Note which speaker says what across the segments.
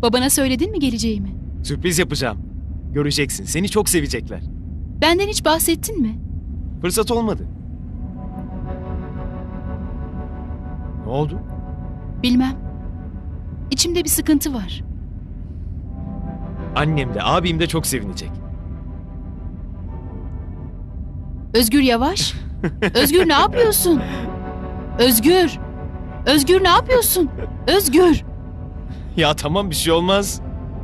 Speaker 1: Babana söyledin mi geleceğimi?
Speaker 2: Sürpriz yapacağım. Göreceksin. Seni çok sevecekler.
Speaker 1: Benden hiç bahsettin mi?
Speaker 2: Fırsat olmadı. Ne oldu?
Speaker 1: Bilmem. İçimde bir sıkıntı var.
Speaker 2: Annem de abim de çok sevinecek.
Speaker 1: Özgür yavaş. Özgür ne yapıyorsun? Özgür. Özgür ne yapıyorsun? Özgür.
Speaker 2: Ya tamam, bir şey olmaz.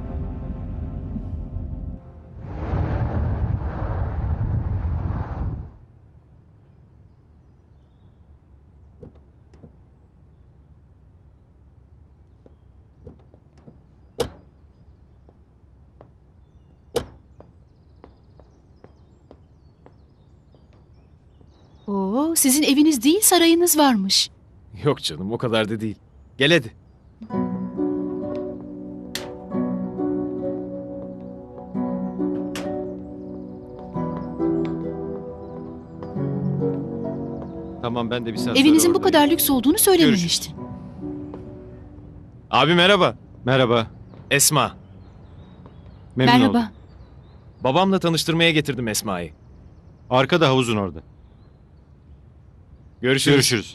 Speaker 1: Oo, sizin eviniz değil sarayınız varmış.
Speaker 2: Yok canım, o kadar da değil. Gel hadi. Tamam, ben de bir saat sonra
Speaker 1: Evinizin bu
Speaker 2: oradayım.
Speaker 1: kadar lüks olduğunu söylememiştin.
Speaker 2: Abi merhaba.
Speaker 3: Merhaba.
Speaker 2: Esma.
Speaker 3: Memnun
Speaker 1: Merhaba.
Speaker 3: oldum.
Speaker 2: Babamla tanıştırmaya getirdim Esma'yı.
Speaker 3: Arkada havuzun orada.
Speaker 2: Görüşürüz.
Speaker 3: Görüşürüz.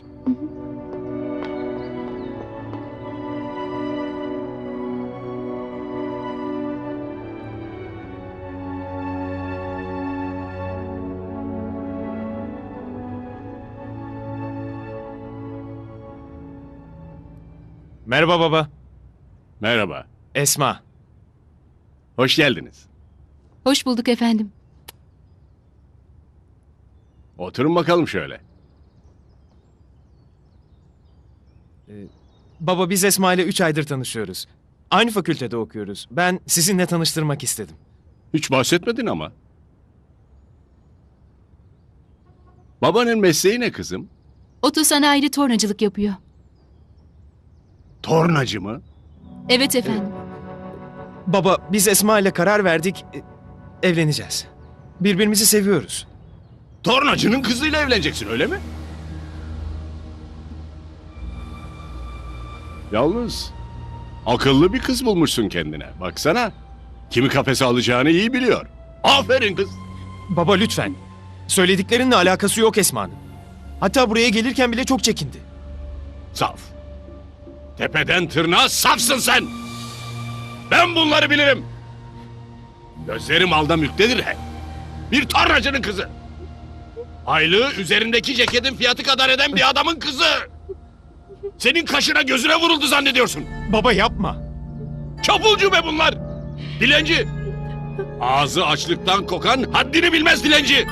Speaker 2: Merhaba baba.
Speaker 4: Merhaba.
Speaker 2: Esma.
Speaker 4: Hoş geldiniz.
Speaker 1: Hoş bulduk efendim.
Speaker 4: Oturun bakalım şöyle.
Speaker 2: Baba, biz Esma ile 3 aydır tanışıyoruz. Aynı fakültede okuyoruz. Ben sizinle tanıştırmak istedim.
Speaker 4: Hiç bahsetmedin ama. Babanın mesleği ne kızım?
Speaker 1: Otosanayide tornacılık yapıyor.
Speaker 4: Tornacı mı?
Speaker 1: Evet efendim.
Speaker 2: Baba, biz Esma ile karar verdik. Evleneceğiz. Birbirimizi seviyoruz.
Speaker 4: Tornacının kızıyla evleneceksin, öyle mi? Yalnız akıllı bir kız bulmuşsun kendine. Baksana. Kimi kafese alacağını iyi biliyor. Aferin kız.
Speaker 2: Baba lütfen. Söylediklerinle alakası yok Esma'nın. Hatta buraya gelirken bile çok çekindi.
Speaker 4: Saf. Tepeden tırnağa safsın sen. Ben bunları bilirim. Gözlerim alda mülktedir he. Bir tornacının kızı. Aylığı üzerindeki ceketin fiyatı kadar eden bir adamın kızı. Senin kaşına gözüne vuruldu zannediyorsun.
Speaker 2: Baba yapma.
Speaker 4: Çapulcu be bunlar. Dilenci. Ağzı açlıktan kokan haddini bilmez dilenci.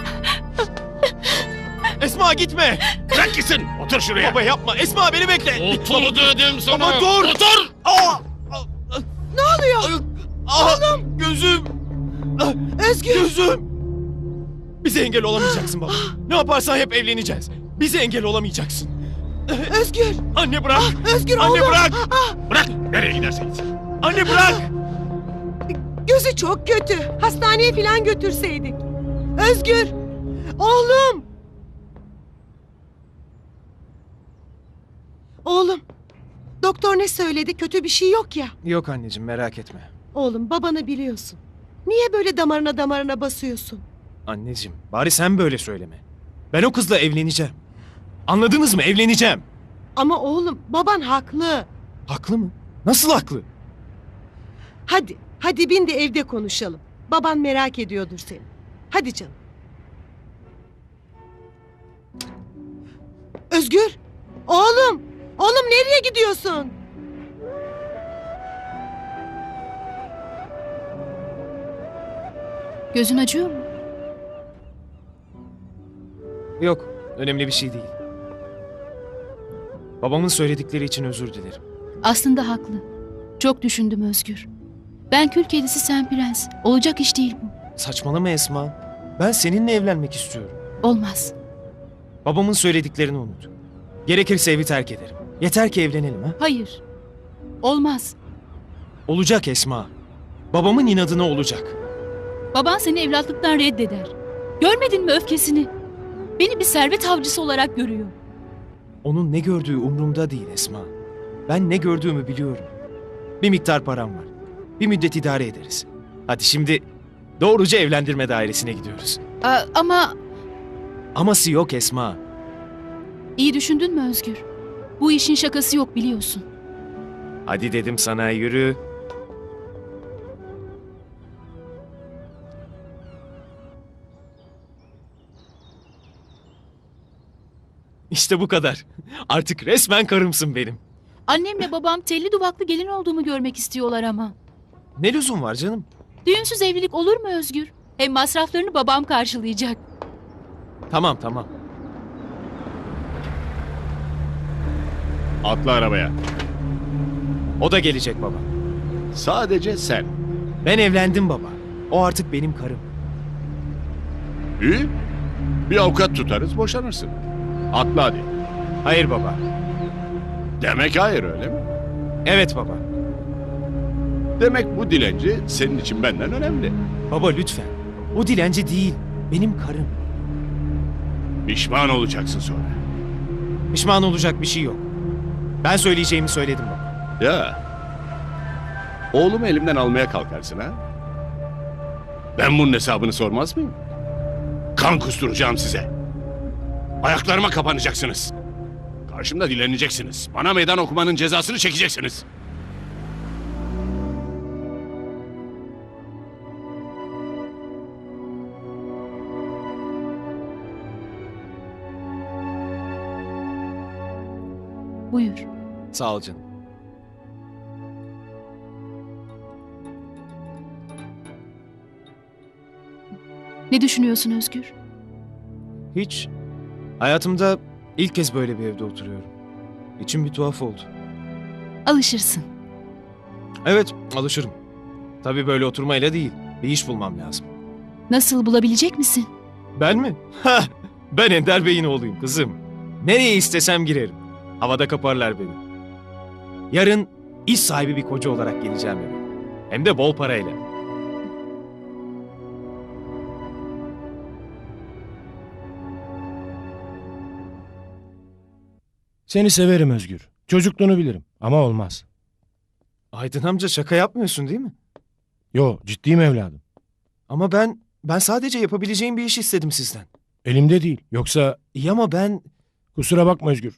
Speaker 2: Esma gitme.
Speaker 4: Bırak gitsin. Otur şuraya.
Speaker 2: Baba yapma. Esma beni bekle.
Speaker 4: Otur dedim sana.
Speaker 2: Baba dur.
Speaker 4: Otur.
Speaker 2: Ne oluyor? Oğlum. Gözüm. Özgür. Gözüm. Bize engel olamayacaksın baba. Ne yaparsan hep evleneceğiz. Bize engel olamayacaksın.
Speaker 5: Özgür!
Speaker 2: Anne bırak.
Speaker 5: Özgür
Speaker 2: Anne
Speaker 5: oğlum!
Speaker 2: bırak.
Speaker 4: Bırak. Nereye gidersen gitsin.
Speaker 2: Anne bırak.
Speaker 5: Gözü çok kötü. Hastaneye falan götürseydik. Özgür! Oğlum! Oğlum! Doktor ne söyledi? Kötü bir şey yok ya.
Speaker 2: Yok anneciğim, merak etme.
Speaker 5: Oğlum, babanı biliyorsun. Niye böyle damarına basıyorsun?
Speaker 2: Anneciğim, bari sen böyle söyleme. Ben o kızla evleneceğim. Anladınız mı? Evleneceğim.
Speaker 5: Ama oğlum, baban haklı.
Speaker 2: Haklı mı? Nasıl haklı?
Speaker 5: Hadi bin de evde konuşalım. Baban merak ediyordur seni. Hadi canım. Özgür! Oğlum! Oğlum nereye gidiyorsun?
Speaker 1: Gözün acıyor mu?
Speaker 2: Yok, önemli bir şey değil. Babamın söyledikleri için özür dilerim.
Speaker 1: Aslında haklı. Çok düşündüm Özgür. Ben kül kedisi sen prens. Olacak iş değil bu.
Speaker 2: Saçmalama Esma. Ben seninle evlenmek istiyorum.
Speaker 1: Olmaz.
Speaker 2: Babamın söylediklerini unut. Gerekirse evi terk ederim. Yeter ki evlenelim ha.
Speaker 1: Hayır. Olmaz.
Speaker 2: Olacak Esma. Babamın inadına olacak.
Speaker 1: Baban seni evlatlıktan reddeder. Görmedin mi öfkesini? Beni bir servet avcısı olarak görüyor.
Speaker 2: Onun ne gördüğü umurumda değil Esma. Ben ne gördüğümü biliyorum. Bir miktar param var. Bir müddet idare ederiz. Hadi şimdi doğruca evlendirme dairesine gidiyoruz.
Speaker 1: Ama
Speaker 2: Aması yok Esma.
Speaker 1: iyi düşündün mü Özgür? Bu işin şakası yok biliyorsun.
Speaker 2: Hadi dedim sana, yürü. İşte bu kadar. Artık resmen karımsın benim.
Speaker 1: Annemle babam telli duvaklı gelin olduğumu görmek istiyorlar ama.
Speaker 2: Ne lüzum var canım?
Speaker 1: Düğünsüz evlilik olur mu Özgür? Hem masraflarını babam karşılayacak.
Speaker 2: Tamam tamam.
Speaker 4: Atla arabaya.
Speaker 2: O da gelecek baba.
Speaker 4: Sadece sen.
Speaker 2: Ben evlendim baba. O artık benim karım.
Speaker 4: İyi. Bir avukat tutarız, boşanırsın. Atla hadi.
Speaker 2: Hayır baba.
Speaker 4: Demek hayır, öyle mi?
Speaker 2: Evet baba.
Speaker 4: Demek bu dilenci senin için benden önemli.
Speaker 2: Baba lütfen. O dilenci değil. Benim karım.
Speaker 4: Pişman olacaksın sonra.
Speaker 2: Pişman olacak bir şey yok. Ben söyleyeceğimi söyledim baba.
Speaker 4: Ya. Oğlumu elimden almaya kalkarsın ha? Ben bunun hesabını sormaz mıyım? Kan kusturacağım size. Ayaklarıma kapanacaksınız. Karşımda dileneceksiniz. Bana meydan okumanın cezasını çekeceksiniz.
Speaker 1: Buyur.
Speaker 2: Sağ ol canım.
Speaker 1: Ne düşünüyorsun Özgür?
Speaker 2: Hiç. Hayatımda ilk kez böyle bir evde oturuyorum. İçim bir tuhaf oldu.
Speaker 1: Alışırsın.
Speaker 2: Evet, alışırım. Tabii böyle oturmayla değil. Bir iş bulmam lazım.
Speaker 1: Nasıl bulabilecek misin?
Speaker 2: Ben mi? Ha, ben Ender Bey'in oğluyum kızım. Nereye istesem girerim. Havada kaparlar beni. Yarın iş sahibi bir koca olarak geleceğim eve. Hem de bol parayla.
Speaker 6: Seni severim Özgür. Çocukluğunu bilirim ama olmaz.
Speaker 2: Aydın amca, şaka yapmıyorsun değil mi?
Speaker 6: Yo, ciddiyim evladım.
Speaker 2: Ama ben sadece yapabileceğim bir iş istedim sizden.
Speaker 6: Elimde değil. Yoksa
Speaker 2: İyi ama ben...
Speaker 6: kusura bakma Özgür.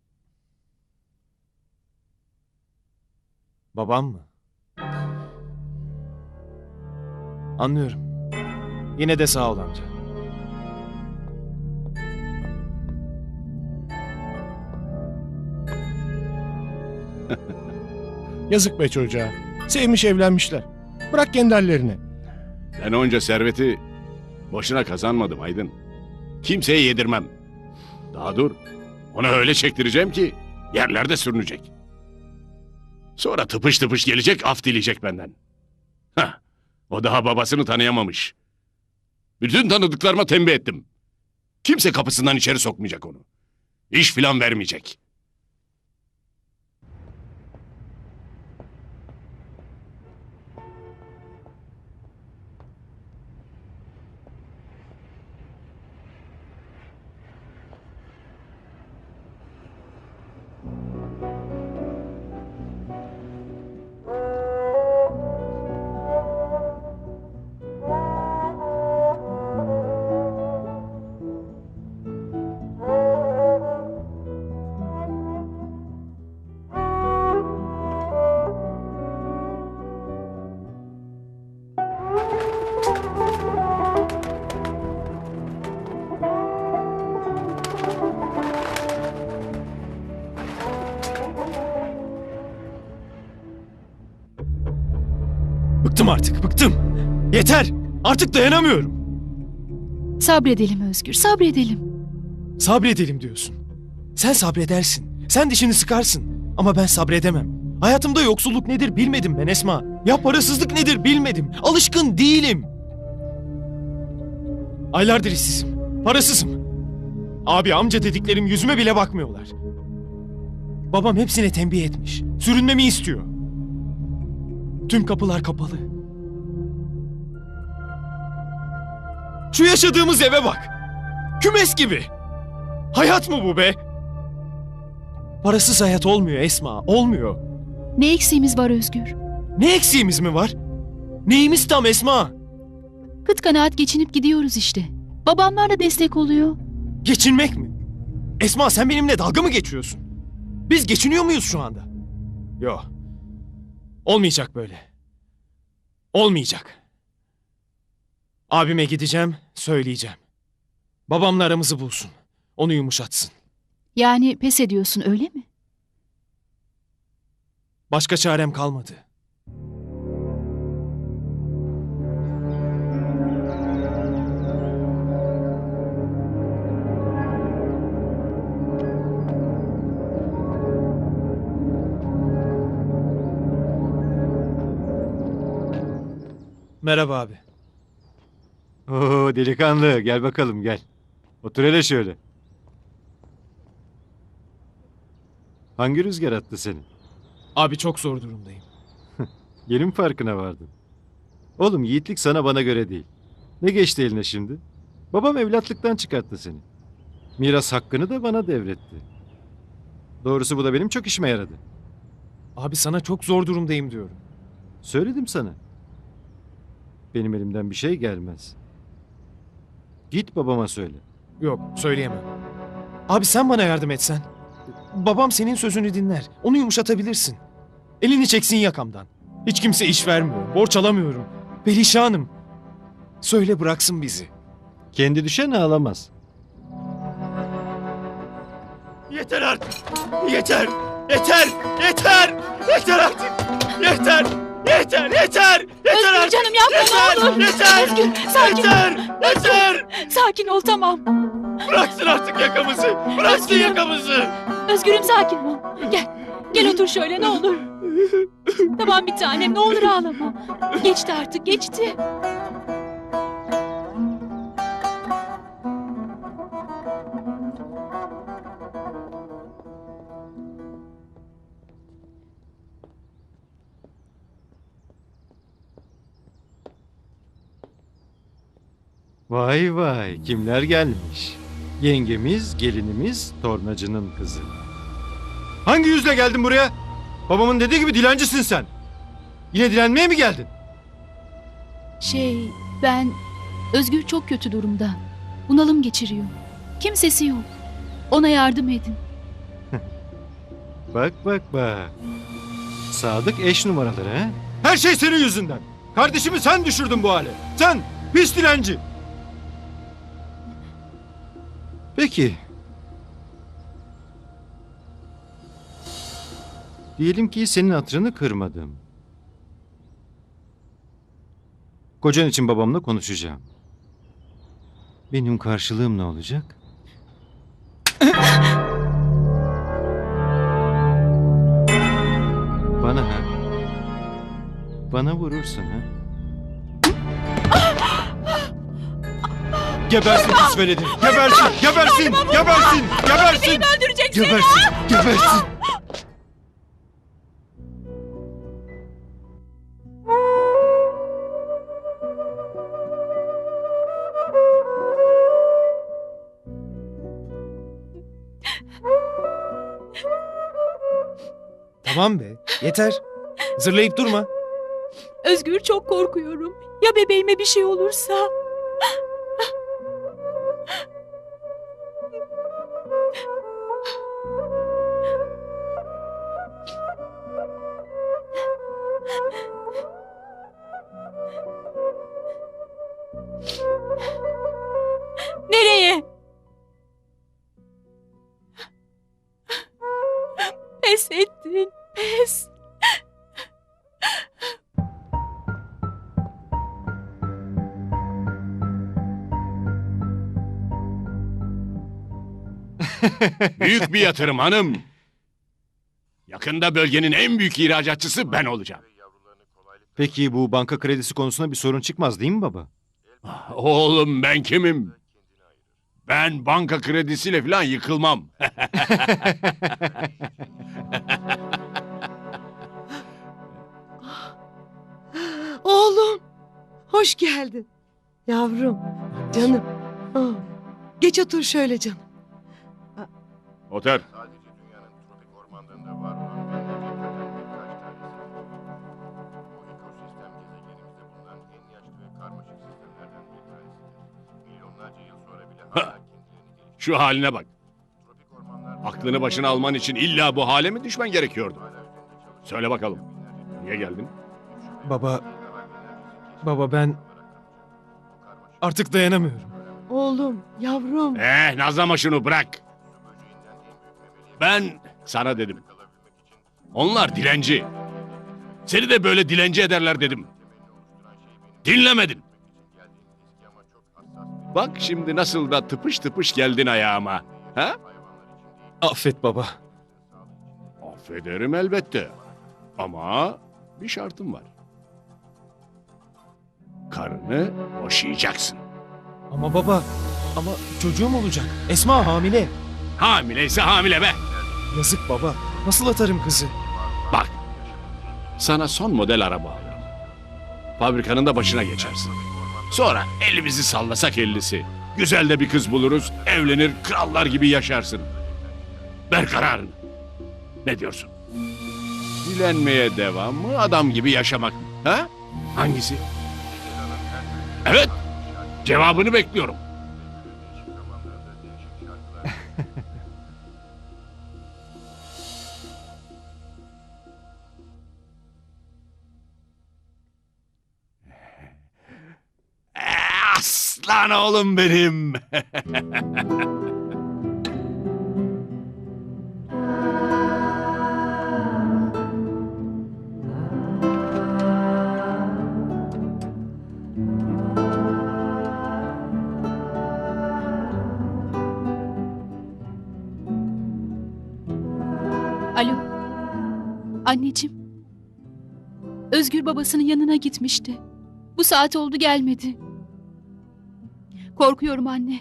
Speaker 2: Babam mı? Anlıyorum. Yine de sağ ol amca.
Speaker 6: Yazık be çocuğa. Sevmiş evlenmişler. Bırak kendi hallerine.
Speaker 4: Ben onca serveti boşuna kazanmadım Aydın. Kimseye yedirmem. Daha dur. Ona öyle çektireceğim ki yerlerde sürünecek. Sonra tıpış tıpış gelecek, af dileyecek benden. Hah, o daha babasını tanıyamamış. Bütün tanıdıklarıma tembih ettim. Kimse kapısından içeri sokmayacak onu. İş filan vermeyecek.
Speaker 2: Bıktım artık, bıktım. Yeter! Artık dayanamıyorum.
Speaker 1: Sabredelim Özgür, sabredelim.
Speaker 2: Sabredelim diyorsun. Sen sabredersin. Sen dişini sıkarsın. Ama ben sabredemem. Hayatımda yoksulluk nedir bilmedim ben Esma. Ya parasızlık nedir bilmedim. Alışkın değilim. Aylardır işsizim. Parasızım. Abi amca dediklerim yüzüme bile bakmıyorlar. Babam hepsine tembih etmiş. Sürünmemi istiyor. Tüm kapılar kapalı. Şu yaşadığımız eve bak. Kümes gibi. Hayat mı bu be? Parasız hayat olmuyor Esma, olmuyor.
Speaker 1: Ne eksiğimiz var Özgür?
Speaker 2: Ne eksiğimiz mi var? Neyimiz tam Esma?
Speaker 1: Kıt kanaat geçinip gidiyoruz işte. Babamlar da destek oluyor.
Speaker 2: Geçinmek mi? Esma sen benimle dalga mı geçiyorsun? Biz geçiniyor muyuz şu anda? Yok. Olmayacak böyle. Olmayacak. Abime gideceğim, söyleyeceğim. Babamla aramızı bulsun. Onu yumuşatsın.
Speaker 1: Yani pes ediyorsun öyle mi?
Speaker 2: Başka çarem kalmadı. Merhaba abi.
Speaker 3: Oo delikanlı gel bakalım gel. Otur hele şöyle. Hangi rüzgar attı seni?
Speaker 2: Abi çok zor durumdayım.
Speaker 3: Yeni mi farkına vardın? Oğlum yiğitlik sana bana göre değil. Ne geçti eline şimdi? Babam evlatlıktan çıkarttı seni. Miras hakkını da bana devretti. Doğrusu bu da benim çok işime yaradı.
Speaker 2: Abi sana çok zor durumdayım diyorum.
Speaker 3: Söyledim sana. Benim elimden bir şey gelmez. Git babama söyle.
Speaker 2: Yok, söyleyemem. Abi sen bana yardım etsen. Babam senin sözünü dinler. Onu yumuşatabilirsin. Elini çeksin yakamdan. Hiç kimse iş vermiyor. Borç alamıyorum. Perişanım. Söyle bıraksın bizi.
Speaker 3: Kendi düşen ağlamaz.
Speaker 2: Yeter artık. Yeter. Yeter. Yeter. Yeter artık. Yeter. Yeter. Yeter. Yeter
Speaker 1: Özgür
Speaker 2: artık.
Speaker 1: canım yapma
Speaker 2: Yeter.
Speaker 1: ne olur.
Speaker 2: Yeter.
Speaker 1: Özgür sakin ol.
Speaker 2: Yeter. Yeter.
Speaker 1: Sakin ol tamam.
Speaker 2: Bıraksın artık yakamızı. Bıraksın
Speaker 1: Özgürüm.
Speaker 2: yakamızı.
Speaker 1: Özgürüm sakin ol. Gel. Gel otur şöyle ne olur. Tamam bir tanem ne olur ağlama. Geçti artık geçti.
Speaker 3: Vay vay kimler gelmiş? Yengemiz, gelinimiz, tornacının kızı. Hangi yüzle geldin buraya? Babamın dediği gibi dilencisin sen. Yine dilenmeye mi geldin?
Speaker 1: Ben... Özgür çok kötü durumda. Bunalım geçiriyor. Kimsesi yok. Ona yardım edin.
Speaker 3: Bak bak bak. Sadık eş numaraları ha? Her şey senin yüzünden. Kardeşimi sen düşürdün bu hale. Sen pis dilenci. Peki. Diyelim ki senin hatırını kırmadım. Kocan için babamla konuşacağım. Benim karşılığım ne olacak? Bana ha? Bana vurursun ha? Gebersin pis veledi! Gebersin! Gebersin! Gebersin! Gebersin!
Speaker 1: Öldüreceksin.
Speaker 3: Gebersin! Gebersin!
Speaker 2: Tamam be. Yeter. Zırlayıp durma.
Speaker 1: Özgür çok korkuyorum. Ya bebeğime bir şey olursa? Nereye? Pes ettin. Pes.
Speaker 4: Büyük bir yatırım hanım. Yakında bölgenin en büyük ihracatçısı ben olacağım.
Speaker 3: Peki bu banka kredisi konusunda bir sorun çıkmaz değil mi baba?
Speaker 4: Oğlum ben kimim? Ben banka kredisiyle falan yıkılmam.
Speaker 5: Oğlum. Hoş geldin. Yavrum. Canım. Ah. Geç otur şöyle canım.
Speaker 4: Otur. Ha, şu haline bak. Aklını başına alman için illa bu hale mi düşmen gerekiyordu? Söyle bakalım. Niye geldin?
Speaker 2: Baba ben artık dayanamıyorum.
Speaker 5: Oğlum, yavrum.
Speaker 4: Nazlama şunu bırak. Ben sana dedim. Onlar dilenci. Seni de böyle dilenci ederler dedim. Dinlemedin. Bak şimdi nasıl da tıpış tıpış geldin ayağıma. Ha?
Speaker 2: Affet baba.
Speaker 4: Affederim elbette. Ama bir şartım var. Karını boşayacaksın.
Speaker 2: Ama baba, ama çocuğum olacak. Esma hamile.
Speaker 4: Hamileyse hamile be.
Speaker 2: Yazık baba. Nasıl atarım kızı?
Speaker 4: Bak, sana son model araba alırım. Fabrikanın da başına geçersin. Sonra elimizi sallasak ellisi. Güzel de bir kız buluruz, evlenir, krallar gibi yaşarsın. Ver kararını. Ne diyorsun? Dilenmeye devam mı, adam gibi yaşamak mı? Ha? Hangisi? Evet, cevabını bekliyorum. Aslan oğlum benim.
Speaker 1: Alo. Anneciğim. Özgür babasının yanına gitmişti. Bu saat oldu gelmedi. Korkuyorum anne.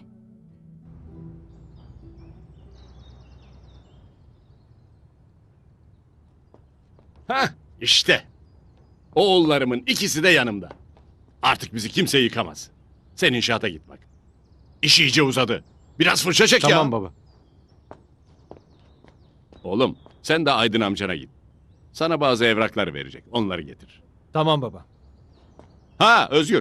Speaker 4: Hah, işte. Oğullarımın ikisi de yanımda. Artık bizi kimse yıkamaz. Sen inşaata git bak. İş iyice uzadı. Biraz fırça çek ya.
Speaker 3: Tamam baba.
Speaker 4: Oğlum sen de Aydın amcana git. Sana bazı evraklar verecek. Onları getir.
Speaker 2: Tamam baba.
Speaker 4: Ha Özgür.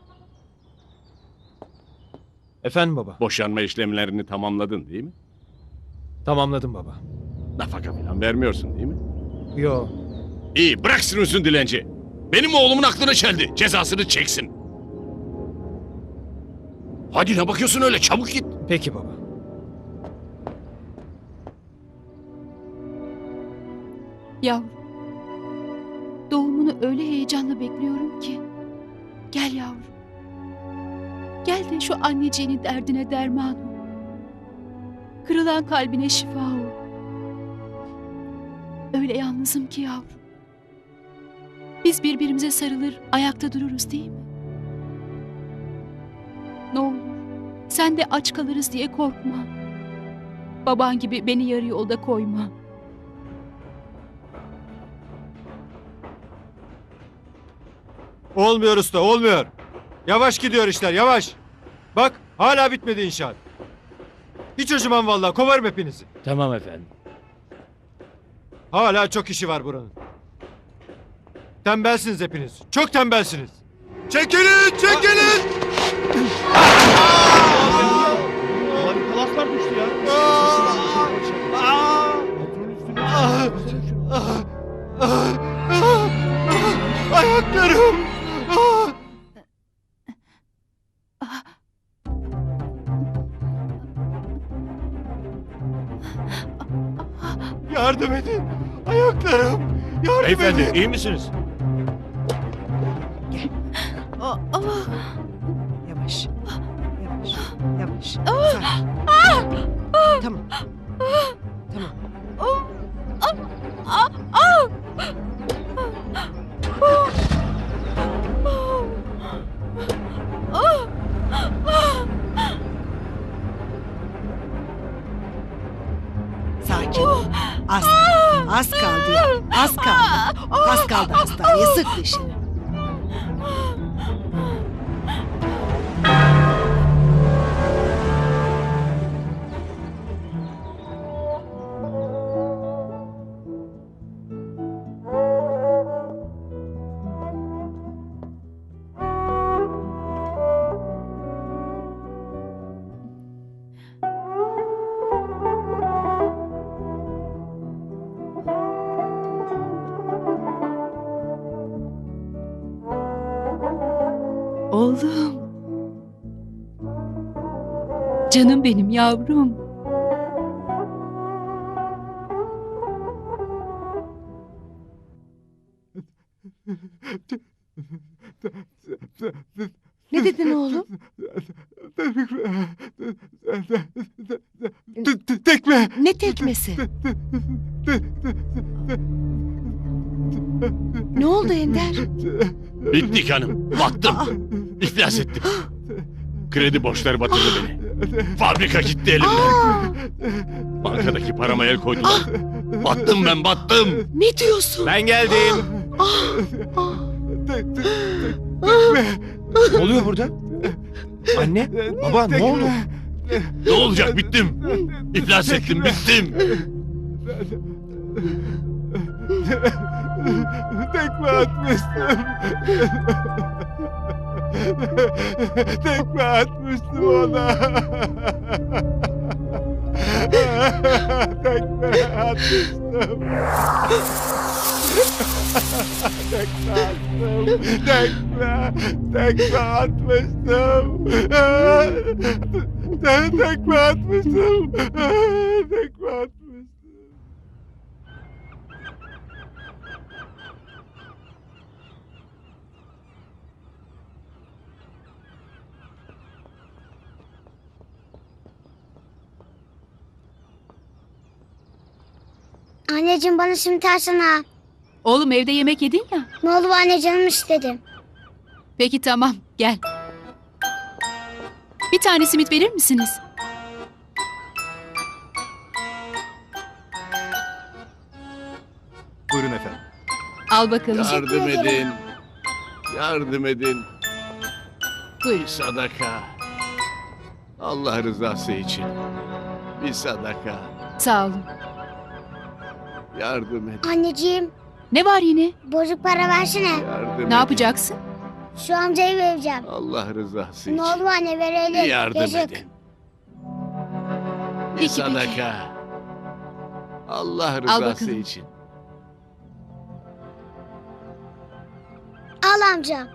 Speaker 2: Efendim baba.
Speaker 4: Boşanma işlemlerini tamamladın değil mi?
Speaker 2: Tamamladım baba.
Speaker 4: Nafaka falan vermiyorsun değil mi?
Speaker 2: Yo.
Speaker 4: İyi bırak sürünsün dilenci. Benim oğlumun aklını çeldi. Cezasını çeksin. Hadi ne bakıyorsun öyle çabuk git.
Speaker 2: Peki baba.
Speaker 1: Yavrum. Doğumunu öyle heyecanla bekliyorum ki. Gel yavrum. Gel de şu anneciğinin derdine derman ol. Kırılan kalbine şifa ol. Öyle yalnızım ki yavrum. Biz birbirimize sarılır, ayakta dururuz değil mi? Ne olur, sen de aç kalırız diye korkma. Baban gibi beni yarı yolda koyma.
Speaker 3: Olmuyor usta, olmuyor. Yavaş gidiyor işler, yavaş. Bak, hala bitmedi inşaat. Hiç acımam vallahi, kovarım hepinizi.
Speaker 7: Tamam efendim.
Speaker 3: Hala çok işi var buranın. Tembelsiniz hepiniz. Çok tembelsiniz. Çekilin, çekilin!
Speaker 7: Kalaslar düştü ya.
Speaker 3: Ayaklarım! Yardım edin! Ayaklarım! Yardım
Speaker 7: Beyefendi
Speaker 3: edin!
Speaker 7: iyi misiniz?
Speaker 5: Yavaş. Yavaş. Yavaş. Sakin. Tamam. Tamam. Sakin. Az kaldı ya. Az kaldı. Az kaldı hastaneye. Sık dişini.
Speaker 1: Canım benim yavrum.
Speaker 5: Ne dedin oğlum?
Speaker 3: Tekme.
Speaker 5: Ne tekmesi? Ne oldu Ender?
Speaker 4: Bittik hanım. Battım. İflas ettim. Kredi borçları batırdı beni. Fabrika gitti elimden. Bankadaki parama el koydular. Battım ben, battım.
Speaker 5: Ne diyorsun?
Speaker 2: Ben geldim.
Speaker 6: Ne oluyor burada? Anne, baba ne oldu?
Speaker 4: Ne olacak, bittim. İflas ettim, bittim.
Speaker 3: Tekme atmıştım. Tekme atmıştım ona. Tekme atmıştım. Tekme attım. Tekme atmıştım. Tekme atmıştım. Tekme atmıştım.
Speaker 8: Anneciğim bana simit alsana.
Speaker 1: Oğlum evde yemek yedin ya.
Speaker 8: Ne oldu anne canım istedim.
Speaker 1: Peki tamam gel. Bir tane simit verir misiniz?
Speaker 2: Buyurun efendim.
Speaker 1: Al bakalım.
Speaker 4: Yardım edin. Yardım edin.
Speaker 1: Buyur.
Speaker 4: Bir sadaka. Allah rızası için. Bir sadaka.
Speaker 1: Sağ olun.
Speaker 4: Yardım edin.
Speaker 8: Anneciğim
Speaker 1: Ne var yine?
Speaker 8: bozuk para versene.
Speaker 4: Yardım edin.
Speaker 1: Ne yapacaksın?
Speaker 8: Şu amcayı vereceğim.
Speaker 4: Allah rızası
Speaker 8: Ne
Speaker 4: için.
Speaker 8: olur anne
Speaker 4: Bir
Speaker 8: verelim.
Speaker 4: yardım
Speaker 8: Yazık.
Speaker 4: edin. Bir
Speaker 1: Peki,
Speaker 4: sadaka. Allah
Speaker 1: Al
Speaker 4: rızası
Speaker 1: bakalım.
Speaker 4: için.
Speaker 8: Al amca.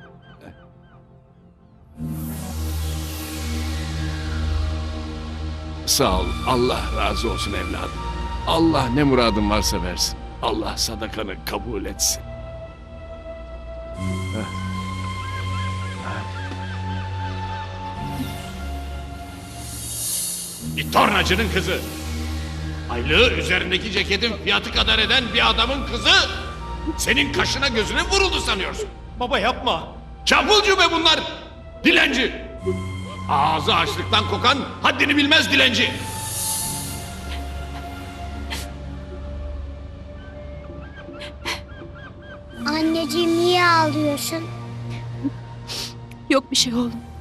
Speaker 4: Sağ ol. Allah razı olsun evladım. Allah ne muradın varsa versin. Allah sadakanı kabul etsin. Bir tornacının kızı. Aylığı üzerindeki ceketin fiyatı kadar eden bir adamın kızı senin kaşına gözüne vuruldu sanıyorsun.
Speaker 2: Baba yapma.
Speaker 4: Çapulcu be bunlar. Dilenci. Ağzı açlıktan kokan haddini bilmez dilenci.
Speaker 8: Anneciğim niye ağlıyorsun?
Speaker 1: Yok bir şey oğlum.